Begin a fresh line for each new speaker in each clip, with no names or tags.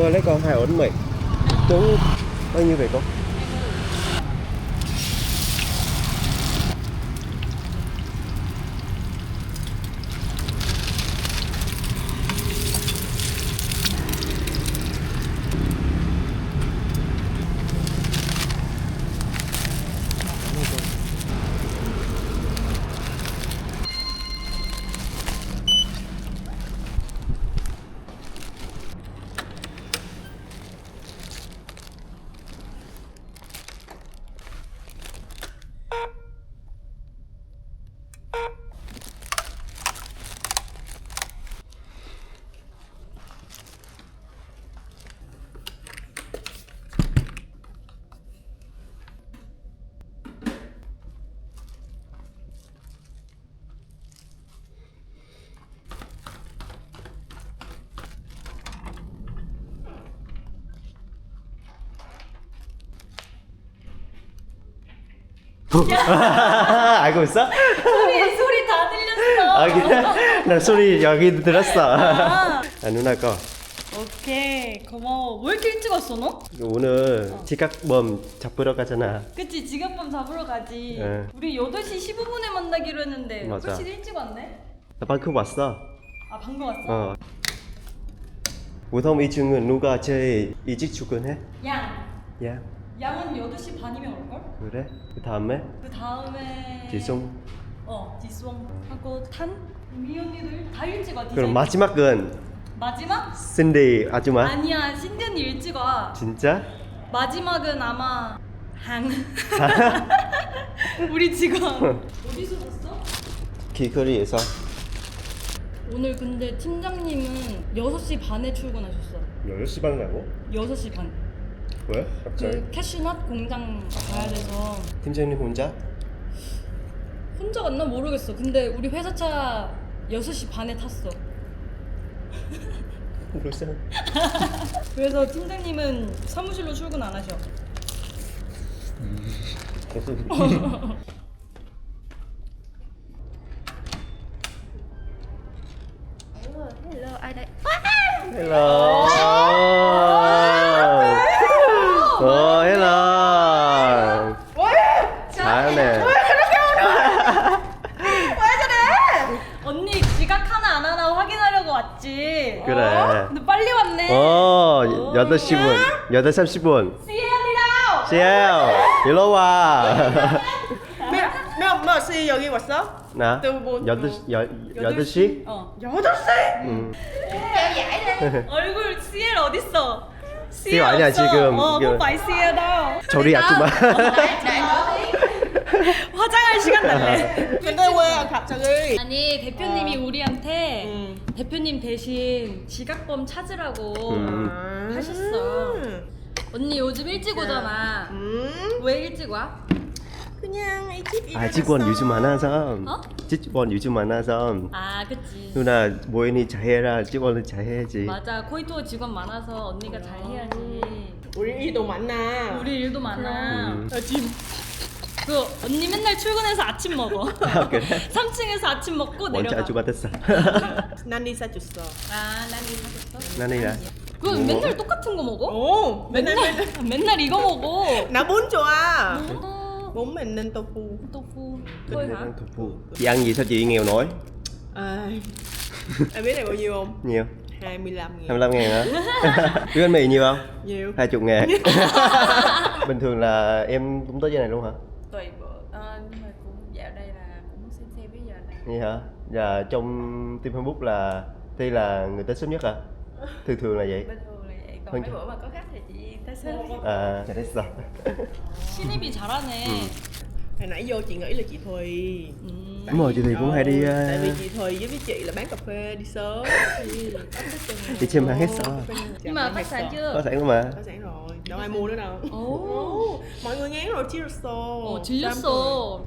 Tôi lấy con 2 ổ bánh mì. Tuấn bao nhiêu vậy con? 알고 있어?
소리 다 들렸어.
아 그래? 나 소리 여기 들었어.
아.
누나 거.
오케이 고마워. 왜 이렇게 일찍 왔어 너?
오늘 지각범 잡으러 가잖아.
그치 지갑밤 잡으러 가지.
네.
우리 8시 15분에 만나기로 했는데
맞아.
훨씬 일찍 왔네.
나 방금 왔어.
아 방금 왔어?
어. 보통 이 중은 누가 제일 일찍 출근해?
양.
야,
양은 8시 반이면 올걸?
그래? 그 다음에
그 다음에
지송.
지송 하고 탄? 미 언니들 다 일찍 와.
그럼 마지막은
마지막?
신디 아줌마.
아니야 신디 언니 일찍 와.
진짜?
마지막은 아마 항. 우리 직원. 어디서 샀어?
길거리에서.
오늘 근데 팀장님은 6시 반에 출근하셨어.
10시 반 가고?
6시 반.
왜? 갑자기?
그 캐슈넛 공장 가야 돼서
팀장님 혼자?
혼자 갔나 모르겠어. 근데 우리 회사 차 6시 반에 탔어.
벌써?
그래서 팀장님은 사무실로 출근 안 하셔.
Hello, ai đây?
Hello. Hello. 잘하네.
언니 지각 하나 안 하나 확인하려고 왔지.
그래.
근데 빨리 왔네.
8시 분. 8시 30분.
CL이다.
CL, 일로 와.
몇 시 여기 왔어?
나?
또 뭐-
8시?
어.
8시?
응.
얼굴 CL 어딨어?
CL 아니야,
없어.
지금.
không phải CL đâu.
저리 아줌마.
화장할 시간 달래.
근데 왜 갑자기?
아니 대표님이 우리한테
음.
대표님 대신 지각범 찾으라고
음.
하셨어. 언니 요즘 일찍 오잖아. 왜 일찍 와?
그냥 이 집
아, 직원 요즘 많아서.
어?
직원 요즘 많아서.
아 그치.
누나 모인이 잘해라. 직원은 잘해야지.
맞아 코이토 직원 많아서 언니가 잘 해야지.
우리 일도 많아.
우리 일도 많아.
음.
그 언니 맨날 출근해서 아침 먹어.
아, 그래?
3층에서 아침 먹고
원체
내려가.
아줌마 됐어.
난리 사줬어.
아, 난 이거 사줬어?
나는이라.
그
뭐?
맨날 똑같은 거 먹어?
오,
맨날 이거 먹어.
나 bún 좋아.
어,
Bún mình nên tofu.
tofu. thôi hả?
Chị ăn gì sao chị nghèo nổi?
Em biết này bao nhiêu không?
Nhiều.
25.000.
25 ngàn hả? Biết bánh mì nhiều không?
Nhiều.
20 ngàn. Bình thường là em cũng tới giờ này luôn hả?
Tùy bữa, nhưng mà cũng dạo đây là cũng xem bây giờ này.
Vậy hả? Và trong team Facebook là Thi là người tới sớm nhất hả? Thường là vậy.
Bình thường là vậy, còn
Hơn
mấy
chứ.
bữa mà có khách thì chị tới sớm.
À, 잘했어.
신입이 잘하네.
Hồi nãy vô chị nghĩ là chị Thùy.
Đúng rồi, chị Thùy cũng hay đi
Tại vì chị Thùy với chị là bán cà phê đi sớm.
đi xem hàng hết sao?
Nhưng mà khách sạn
Có
chưa?
sẵn luôn mà.
Có sẵn rồi, đâu ai mua nữa đâu.
오.
Mọi người ngán rồi 질렀어.
질렸어.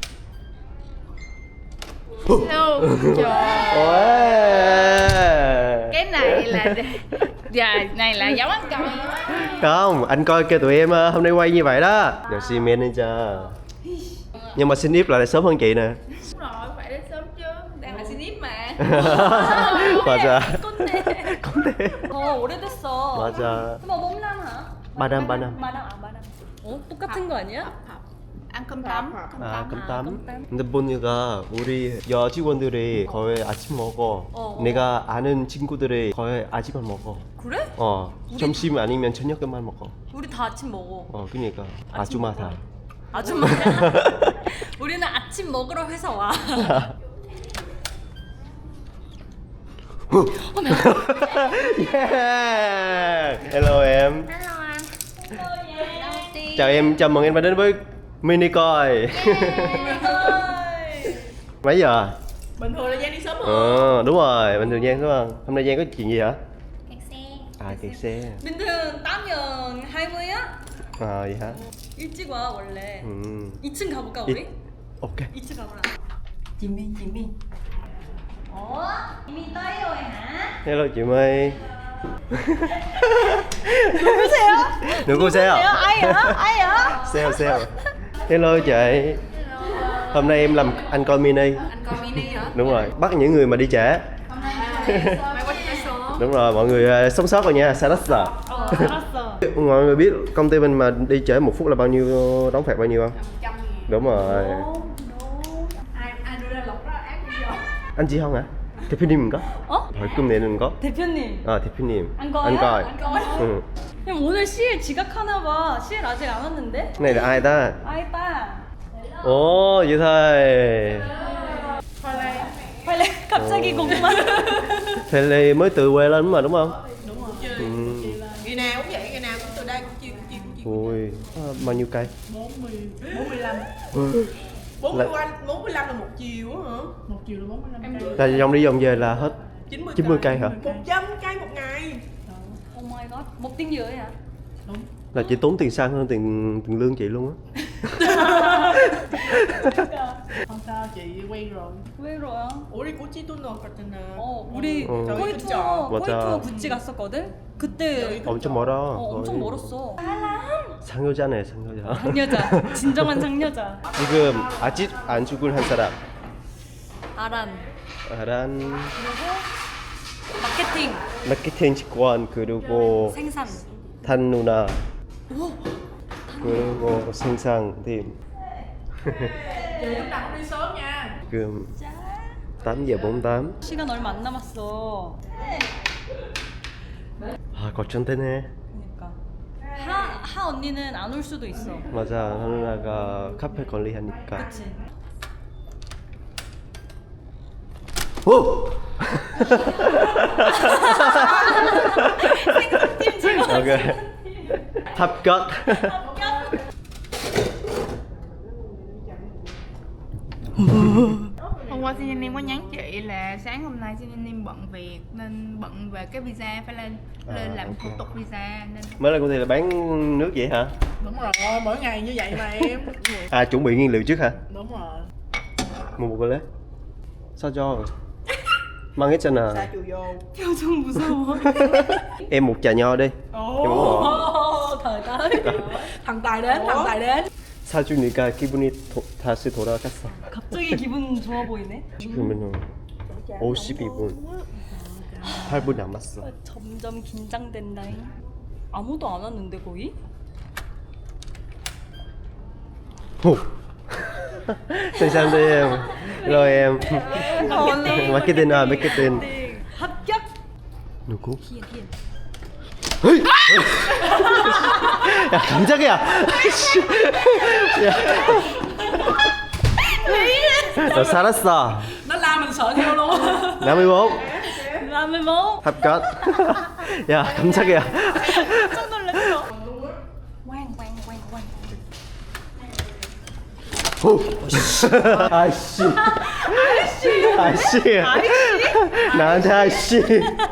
Hello. Trời.
Ôi.
Cái này là này là dấu ăn coi.
Không, anh coi kêu tụi em hôm nay quay như vậy đó. Được xi manager. Nhưng mà xin là sớm hơn chị nè.
Đúng rồi, phải đến sớm chứ. Đang là xin mà.
맞아.
con
컴대.
더 오래됐어.
맞아.
뭐 4남 hả?
3 năm.
4남 아 4남. 어? 똑같은 거 아니야?
Ăn cơm tấm.
아, 깜땀.
깜땀.
근데 보니까 우리 여직원들이 거의 아침 먹어. 내가 아는 친구들이 거의 아침만 먹어.
그래?
점심 아니면 저녁만 먹어.
우리 다 아침 먹어.
그러니까 아줌마 다.
아줌마. 우리는 아침 먹으러 회사 와.
Yeah. Hello em.
Hello anh.
Chào em, chào mừng em đã đến với mini coi. Mấy giờ?
Bình thường là Giang đi sớm hơn.
Đúng rồi, bình thường Giang đúng không? Hôm nay Giang có chuyện gì hả?
Kẹt xe.
À, kẹt xe.
bình thường 8년 20야?
Vậy hả?
일찍 와 원래. 2층 가볼까
이-
우리?
Ok.
2층 가보라. 지민. 이미 떠요 hả?
Hello chị My.
누구세요?
누구세요?
Ai hả?
Sale. Hello chị. Hôm nay em làm anh coi mini.
Anh coi mini hả?
Đúng rồi, bắt những người mà đi trễ.
Hôm nay mày qua chơi sớm.
Đúng rồi, mọi người sống sót rồi nha, 살았어.
알았어.
Mọi người biết công ty mình mà đi trễ 1 phút là bao nhiêu, đóng phạt bao nhiêu không?
100.000.
Đúng rồi.
Ai đưa ra lộc đó ác gì vậy?
anh 지형 hả? 대표님인가? 벌금 내는 거?
대표님.
대표님.
안 꺼요?
안 꺼요.
Anh coi.
응.
형 오늘 CL 지각하나 봐. CL 아직 안 왔는데?
Cái này là ai ta?
아이 따.
Ồ, vậy thôi.
빨리 갑자기 고구마.
Pele mới từ quê lên mà đúng không?
Đúng rồi.
Ừ.
Ngày nào cũng vậy, ngày nào cũng từ đây cũng chia.
Ui, bao nhiêu cây?
45.
Ừ.
45 là 1 chiều á hả? 1 chiều là 45 cây.
Là vòng đi vòng về là hết 90 cây hả?
100 cây một ngày.
Oh my god. một tiếng rưỡi hả?
Là chị tốn tiền xăng hơn tiền lương chị luôn á.
Không sao, chị quen rồi.
왜 그래요?
우리 꼬치 돈 넣었거든.
우리
어.
코이 투어
맞아.
구찌 갔었거든? 그때
엄청 멀어.
엄청
거의.
멀었어.
상여자네, 상여자.
상여자. 진정한 상여자.
지금 아직 안 죽을 한 사람.
아란.
아란
마케팅.
마케팅 직원 그리고
생산.
탄 누나 그리고 생산팀.
Lúc nào cũng đi sớm nha.
지금 8 giờ 48.
시간 얼마 안 남았어.
아, 걱정되네.
그러니까. 하 언니는 안 올 수도 있어.
맞아, 누나가 카페 관리하니까.
그치?
오!
생산팀 직원.
오케이. 합격.
Hôm qua Sinanim có nhắn chị là sáng hôm nay Sinanim bận việc nên bận về cái visa phải lên làm thủ tục visa nên
Mới lên công ty là bán nước vậy hả?
Đúng rồi, mỗi ngày như vậy mà em.
À, chuẩn bị nguyên liệu trước hả?
Đúng rồi.
Mua một cái lết. Sao cho? Mang hết cho nè.
Sa chiều vô.
표정 무서워.
Em một trà nho đi. Em uống rồi.
thời tới.
Thằng Tài đến, thằng Tài đến.
사주니까 기분이 다시 돌아갔어.
갑자기 기분 좋아 보이네.
지금은 52분. 8분 남았어.
점점 긴장된다잉. 아무도 안 왔는데 거의?
오. 감사합니다 em. Hello em. 마케팅 마케팅.
합격.
누구?
희연.
헤이! 야, 깜짝이야. 씨. 야. 너 살았어.
Nó la mình sợ theo luôn.
54.
라면 먹어.
합격. 야, 깜짝이야.
깜짝 놀랐어.
오. 아씨. 아씨. 나한테 아씨.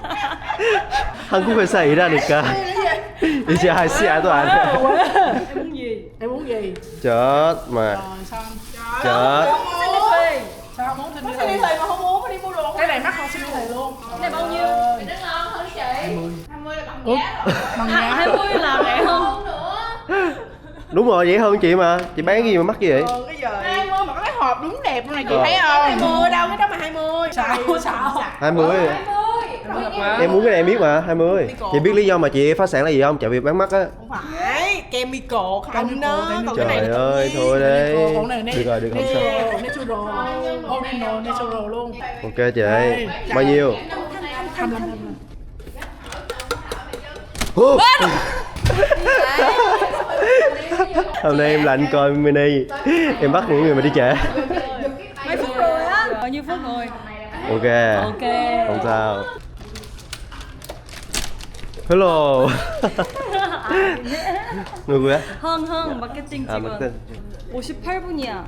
한국 회사 일하니까 이제 아씨야도 안 해.
em muốn gì?
Em muốn gì?
Chết mà.
Rồi sao?
Chết.
xin đi phê.
Sao không muốn xin đi thì mà không muốn phải đi mua đồ. Cái này mắc hơn xin đi thì luôn.
Cái này bao nhiêu?
Thì nó ngon hơn chị 20 là bằng giá rồi.
Bằng
À,
giá.
20 là rẻ hơn.
Hơn nữa.
Đúng rồi, vậy hơn chị mà. Chị bán cái gì mà mắc vậy?
Cái giờ
20 mà có cái hộp đúng đẹp luôn này chị
Ờ.
thấy không?
20 đâu, cái đó mà 20. Sao?
20. Em muốn cái này em biết mà, 20. Chị biết lý do mà chị phá sản là gì không? Chạy việc bán mắt á.
Không phải chemical không đó. Còn cái này
Trời
là tự
ơi,
nhiên.
thôi đấy.
Còn này
Được rồi, được không sao.
natural, original, natural luôn.
Ok chị, bao nhiêu?
25.
Hôm nay em lạnh coi mini. Em bắt những người mà đi trễ.
Mấy phút rồi á? Bao nhiêu phút rồi?
Ok.
Ok.
Không sao. Hello. 누구야?
흥 마케팅
아,
직원.
맞다.
58분이야.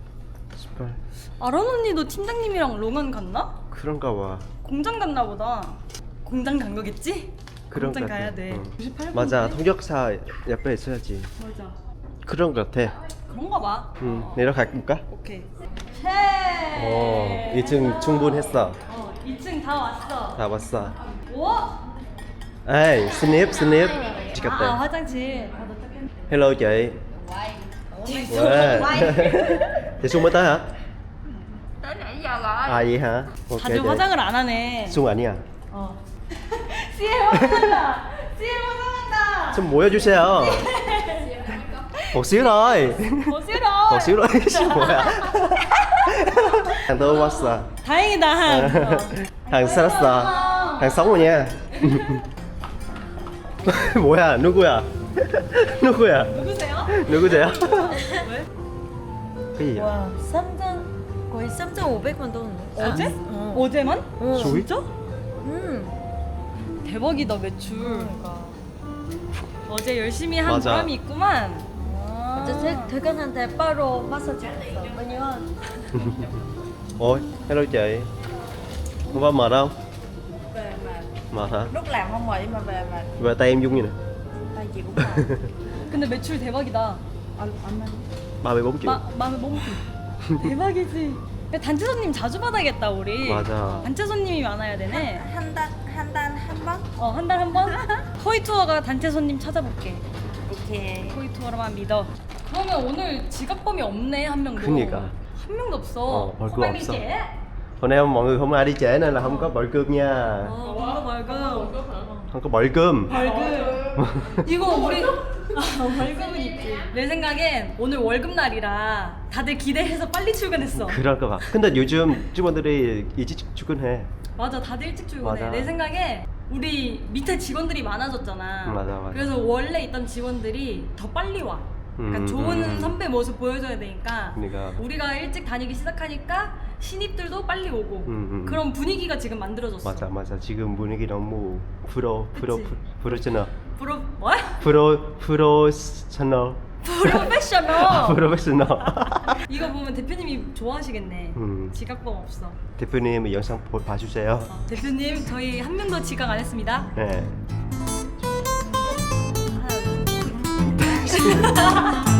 아론 언니도 팀장님이랑 롱은 갔나?
그런가 봐.
공장 갔나 보다. 공장 간 거겠지?
그런
공장
것 같아.
가야 돼.
응.
98분.
맞아, 통역사 옆에 있어야지.
맞아.
그런 것 같아.
그런가 봐.
내려갈까?
오케이.
어, 2층 충분했어.
2층 다 왔어.
다 왔어.
우와.
에이, 스냅.
아,
찍었대.
화장실.
Hello chị. Wow. Chị Xuân mới tới hả?
Tới nãy giờ rồi.
À vậy hả? Ok
다들
chị.
화장을 안 하네.
Xuân 아니야.
CL 화장한다. CL 화장한다.
좀 모여주세요. một xíu thôi.
뭐 싫어.
một xíu thôi. 뭐야? Hàng tôi 왔어.
다행이다 한.
hàng 살았어. hàng sống rồi nha. 뭐야? 누구야? 누구야?
누구세요?
누구세요? cái gì vậy?
와, 3단 거의 3,500만 돈.
어제?
어.
어제만?
수익?
진짜? 대박이다 매출. 어제 열심히 한
맞아.
보람이 있구만.
어제 퇴근할 때 바로 마사지 했어. 왜냐면
Ôi, hello chị. Hôm qua mệt không? Mệt hả?
Lúc làm không mệt nhưng mà về mà
Về tay em dung như nè.
tay chị cũng mệt.
근데 매출 대박이다.
34 triệu.
마음에 멈춰. 대박이지. 야, 단체 손님 자주 받아야겠다 우리.
맞아.
단체 손님이 많아야 되네.
한 달 한 번?
한 달 한 번? 토이 투어가 단체 손님 찾아볼게.
오케이.
토이 투어로만 믿어. 그러면 오늘 지각범이 없네 한 명도.
그니까.
한 명도 없어.
벌금
빨리
없어.
쟤.
Hôm nay mọi người không ai đi trễ nên là không có 벌금 nha.
뭔가 벌금.
Không có 벌금.
벌금. 이거 우리 벌금은 있지. 내 생각엔 오늘 월급 날이라 다들 기대해서 빨리 출근했어.
그럴까 봐. 근데 요즘 직원들이 일찍 출근해.
맞아, 다들 일찍 출근해.
맞아.
내 생각에 우리 밑에 직원들이 많아졌잖아.
맞아.
그래서 원래 있던 직원들이 더 빨리 와. 그러니까 좋은 선배 모습 보여줘야 되니까.
그러니까.
우리가 일찍 다니기 시작하니까 신입들도 빨리 오고. 그런 분위기가 지금 만들어졌어.
맞아. 지금 분위기 너무 프로페셔널.
뭐야?
프로페셔널.
프로페셔널.
프로페셔널.
이거 보면 대표님이 좋아하시겠네. 지각범 없어.
대표님 영상 봐주세요.
대표님 저희 한 명도 지각 안 했습니다.
네.
하나, 둘.